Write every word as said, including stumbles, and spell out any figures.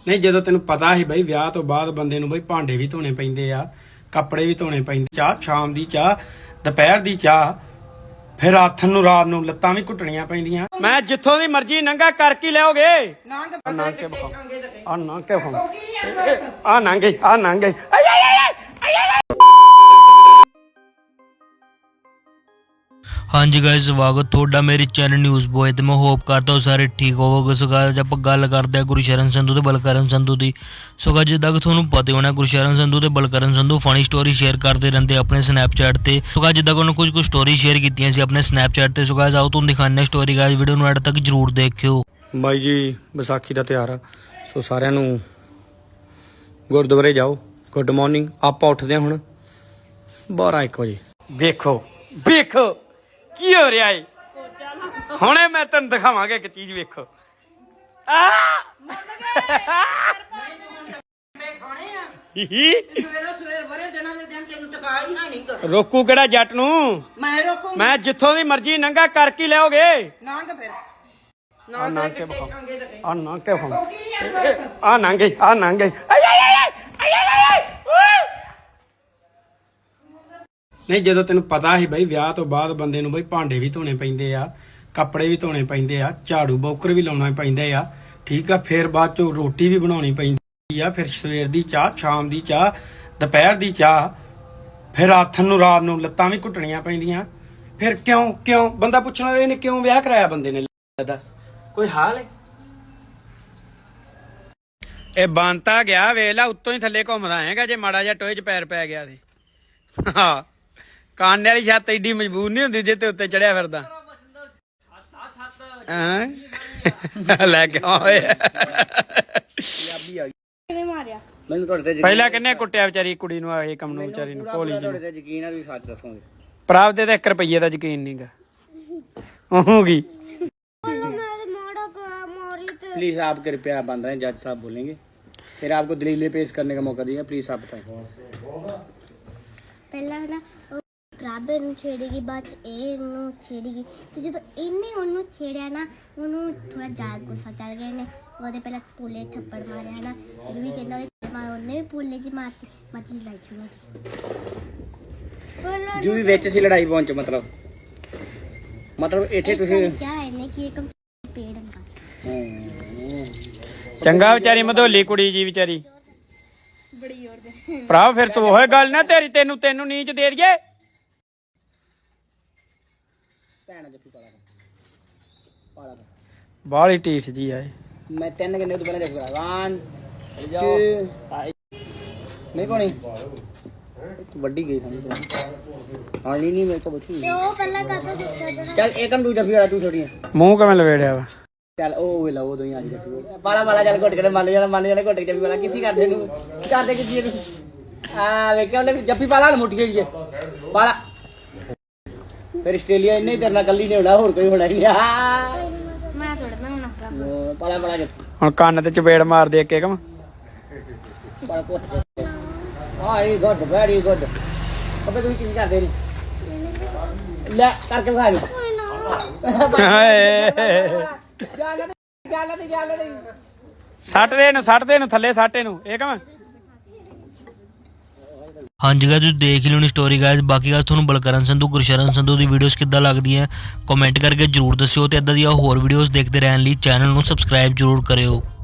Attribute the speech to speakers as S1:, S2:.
S1: नहीं जो तेन पता ही बई विआह तो बाद बंदे नूं बई भांडे भी धोने पैंदे आ, कपड़े भी धोने पैंदे, चाह शाम दी चाह दोपहर दी चाह फिर आथन नूं रात नूं लत्तां भी घुटणियां पैंदियां। मैं जिथों दी मर्जी नंगा कर की लिओगे आ नंग के बखाओ आ नंग के बखाओ आ नंगे आ नंगे।
S2: हाँ जी गाइस, स्वागत थोड़ा मेरे चैनल न्यूज़ बॉय ते मैं होप करता हूँ सारे ठीक होवोगे। सो गाइस आप गल करते हैं गुरशरण संधू ते बलकरण संधू की। सो गाइस जिद्दां कि तुहानूं पता होना गुरशरण संधू ते Balkaran Sandhu funny story share करते रहते अपने स्नैपचैट ते। सो गाइस जिद्दां कि उन्होंने कुछ कुछ स्टोरी शेयर कीतियां सी अपने स्नैपचैट ते। सो गाइस आओ तुहानूं दिखाने स्टोरी, गाइस वीडियो नूं एंड तक जरूर देखियो।
S1: बाई जी विसाखी का त्यौहार आ, सो सारिਆਂ ਨੂੰ गुरुद्वारे जाओ। Good morning. आप उठते हुण बारह एक बजे। देखो देखो की हो रहा है हुणे मैं तेन दिखावांगा एक चीज। वेखो रोकू केड़ा जट नूं मैं जिथों दी मर्जी नंगा कर की लिओगे आ नंग के बखाओ आ नंग के बखाओ आ नंगे आ नंगे। नहीं जो तेन पता ही बई विआह तो बाद बंदे नूं बई भांडे भी धोने पैंदे आ, कपड़े भी धोने पैंदे आ, झाड़ू बौकर भी लाउणा पैंदा आ, ठीक आ। फिर बाद चों रोटी भी बनाउणी पैंदी आ, फिर सवेर दी चाह शाम दी चाह दोपहर दी चाह फिर आथन नूं रात नूं लत्तां भी घुटणियां पैंदियां। फिर क्यों क्यों बंदा पुछना इहने क्यों विआह कराया बंदे ने, दस कोई हाल है? ਇਹ ਬੰਤਾ ਗਿਆ ਵੇਲਾ ਉੱਤੋਂ ਹੀ ਥੱਲੇ ਘੁੰਮਦਾ ਹੈਗਾ ਜੇ ਮਾੜਾ ਜਿਹਾ ਟੋਏ 'ਚ ਪੈਰ ਪੈ ਗਿਆ ਤੇ। ਹਾਂ ਕਾਨੇ ਵਾਲੀ ਛੱਤ ਏਡੀ ਮਜ਼ਬੂਤ ਨਹੀਂ ਹੁੰਦੀ ਜੇ ਤੇ ਉੱਤੇ ਚੜਿਆ ਫਿਰਦਾ। ਹਾਂ ਲੈ ਕੇ ਆਏ ਪਹਿਲਾਂ ਕਿੰਨੇ ਕੁੱਟਿਆ ਵਿਚਾਰੀ ਕੁੜੀ ਨੂੰ ਇਹ ਕੰਮ ਨੂੰ ਵਿਚਾਰੀ ਨੂੰ ਭੋਲੀ ਜੀ। ਯਕੀਨ ਆ ਵੀ ਸੱਚ ਦੱਸੋਗੇ ਭਰਾ ਤੇ ਇੱਕ ਰੁਪਈਏ ਦਾ ਯਕੀਨ ਨਹੀਂਗਾ ਹੋਊਗੀ। प्लीज आप कृपया बंद रहे, जज साहब बोलेंगे फिर आपको दलीलें पेश करने का मौका दिया। प्लीज आप बताएं।
S3: पहला ना ਰਾਬੇ ਨੂੰ ਛੇੜੇਗੀ, ਬਾਅਦ ਚ ਇਹ ਨੂੰ ਛੇੜੇਗੀ ਤੇ ਜਦੋਂ ਇਹਨੇ ਉਹਨੂੰ ਛੇੜਿਆ ਨਾ ਉਹਨੂੰ ਥੋੜਾ ਜ਼ਿਆਦਾ ਗੁੱਸਾ ਚੜ ਗਿਆ। ਇਹਨੇ ਉਹਦੇ ਪਹਿਲਾਂ ਪੂਲੇ ਥੱਪੜ ਮਾਰਿਆ ਨਾ, ਜੋ ਵੀ ਕਹਿੰਦਾ ਉਹਨੇ ਵੀ ਪੂਲੇ ਚ ਮਾਰਤੀ ਮੱਛੀ ਲਾਈ ਛੁਣਾ
S1: ਜੋ ਵੀ ਵਿੱਚ ਸੀ ਲੜਾਈ ਪਹੁੰਚ ਮਤਲਬ ਮਤਲਬ ਇੱਥੇ ਤੁਸੀਂ
S3: ਕਿਹਾ ਇਹਨੇ ਕਿ ਇੱਕ ਪੇੜ ਅੰਗਾ
S1: ਚੰਗਾ ਵਿਚਾਰੀ ਮਧੋਲੀ ਕੁੜੀ ਜੀ ਵਿਚਾਰੀ ਬੜੀ ਹੋਰ ਦੇ ਭਰਾ। ਫਿਰ ਤੂੰ ਉਹ ਗੱਲ ਨਾ ਤੇਰੀ ਤੈਨੂੰ ਤੈਨੂੰ ਨੀਚ ਦੇ ਦਈਏ ਭੈਣਾ ਜੱਫੀ ਪਾਲਾ ਪਾਲਾ ਬਾਲੀ ਢੀਠ ਜੀ ਆਏ। ਮੈਂ ਤਿੰਨ ਕਿੰਨੇ ਤੋਂ ਪਹਿਲਾਂ ਜੱਫੀ ਪਾਲਾ ਵਨ ਜਾਓ ਨਹੀਂ ਕੋਣੀ ਤੂੰ ਵੱਡੀ ਗਈ ਸਮਝ ਹਾਂ ਨਹੀਂ ਨਹੀਂ ਮੇਰੇ ਕੋਲ ਬਚੀ
S3: ਤੇ ਉਹ ਪਹਿਲਾਂ ਕਰਦਾ ਦਿੱਤਾ
S1: ਚੱਲ ਏਕਮ ਤੂੰ ਜੱਫੀ ਵਾਲਾ ਤੂੰ ਛੋੜੀਆਂ ਮੂੰਹ ਕਿਵੇਂ ਲਵੇੜਿਆ ਵਾ। ਚੱਲ ਉਹ ਵੇਲਾ ਉਹ ਦੋਈ ਅੱਜ ਜੱਫੀ ਪਾਲਾ ਪਾਲਾ ਚੱਲ ਘੁੱਟ ਕੇ ਮੰਨ ਜਾ ਮੰਨ ਜਾ ਘੁੱਟ ਕੇ ਜੱਫੀ ਵਾਲਾ ਕਿਸੇ ਕਰਦੇ ਨੂੰ ਕਰਦੇ ਕਿਸੇ ਨੂੰ ਆ ਵੇਖਿਆ ਉਹਨੇ ਜੱਫੀ ਪਾਲਾ ਨੂੰ ਮੁੱਠੀ ਗਈ ਪਾਲਾ। ਫਿਰ ਆਸਟ੍ਰੇਲੀਆ ਇੰਨੇ ਤੇਰੇ ਨਾਲ ਕੱਲੀ ਨੇ ਹੋਣਾ, ਹੋਰ ਕੋਈ ਹੋਣਾ ਹੀ ਨਹੀਂ।
S3: ਮੈਂ ਥੋੜਾ ਨਾ ਹੋਣਾ
S1: ਪਾਲਾ ਪਾਲਾ ਹੁਣ ਕੰਨ ਤੇ ਚਪੇੜ ਮਾਰ ਦੇ ਇੱਕ ਏਕਮ ਪਾਲਾ ਘੁੱਟ ਕੇ। ਹਾਂ ਇਹ ਗੁੱਡ ਵੈਰੀ ਗੁੱਡ। ਅਬੇ ਤੁਸੀਂ ਕੀ ਕਰਦੇ ਨੇ ਲੈ ਕਰਕੇ ਵਿਖਾ ਦੇ। ਸੱਟ ਦੇ ਨੂੰ ਸੱਟ ਦੇ ਨੂੰ ਥੱਲੇ ਸਾਟੇ ਨੂੰ ਇਹ ਕਮ।
S2: हाँ जी गाइस तुसीं देख ही लोनी स्टोरी गाइस। बाकी गाइस तुहानूं बलकरण संधू गुरशरण संधू दी वीडियोस किद्दां लगदियां कमेंट करके जरूर दस्सिओ ते इदां दी होर वीडियोस देखदे रहण लई चैनल नूं सबसक्राइब जरूर करिओ।